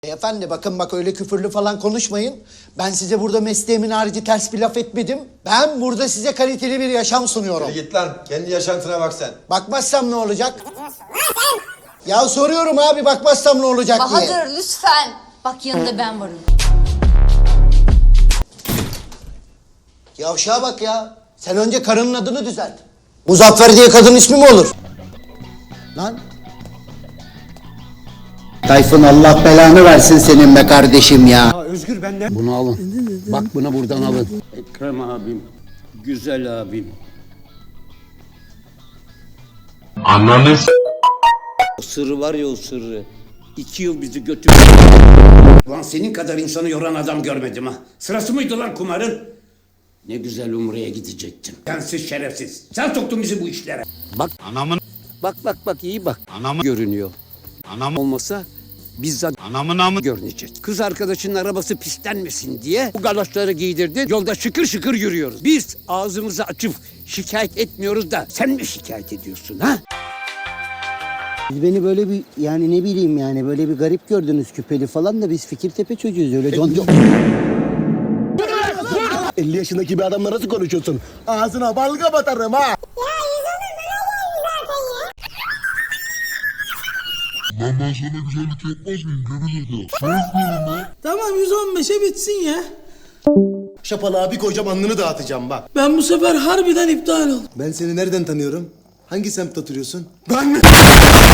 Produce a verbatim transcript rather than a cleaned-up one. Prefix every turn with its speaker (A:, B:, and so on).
A: Efendi bakın bak öyle küfürlü falan konuşmayın. Ben size burada mesleğimin harici ters bir laf etmedim. Ben burada size kaliteli bir yaşam sunuyorum.
B: Hadi git lan. Kendi yaşantına bak sen.
A: Bakmazsam ne olacak? Ya soruyorum abi bakmazsam ne olacak diye.
C: Bahadır lütfen. Bak yanında ben varım.
A: Yavşağa bak ya. Sen önce karının adını düzelt. Muzaffer diye kadın ismi mi olur? Lan.
D: Tayfun Allah belanı versin senin be kardeşim ya.
E: Ya Özgür benden.
D: Bunu alın. Bak bunu buradan alın.
F: Ekrem abim, güzel abim.
G: Ananı s-
F: O sırrı var ya o sırrı. İki yıl bizi götürdü. Lan senin kadar insanı yoran adam görmedim ha. Sırası mıydı lan kumarın? Ne güzel Umre'ye gidecektim. Sensiz şerefsiz. Sen soktun bizi bu işlere. Bak,
G: Anamın
F: bak, bak, bak iyi bak.
G: Anamı-
F: Görünüyor.
G: Anam
F: Olmasa bizzat
G: anamın amı
F: görünecek. Kız arkadaşının arabası pislenmesin diye bu galoşları giydirdi. Yolda şıkır şıkır yürüyoruz. Biz ağzımızı açıp şikayet etmiyoruz da sen mi şikayet ediyorsun ha?
D: Siz beni böyle bir yani ne bileyim yani böyle bir garip gördünüz küpeli falan da biz Fikirtepe çocuğuyuz öyle con con.
E: elli yaşındaki bir adamla nasıl konuşuyorsun? Ağzına balga batarım ha.
G: Lan ben sana güzellik yapmaz mıyım? Göbek
H: Tamam yüz on beşe bitsin ya.
E: Şapalı abi koyacağım alnını dağıtacağım bak.
H: Ben bu sefer harbiden iptal oldum.
E: Ben seni nereden tanıyorum? Hangi semtte oturuyorsun? Ben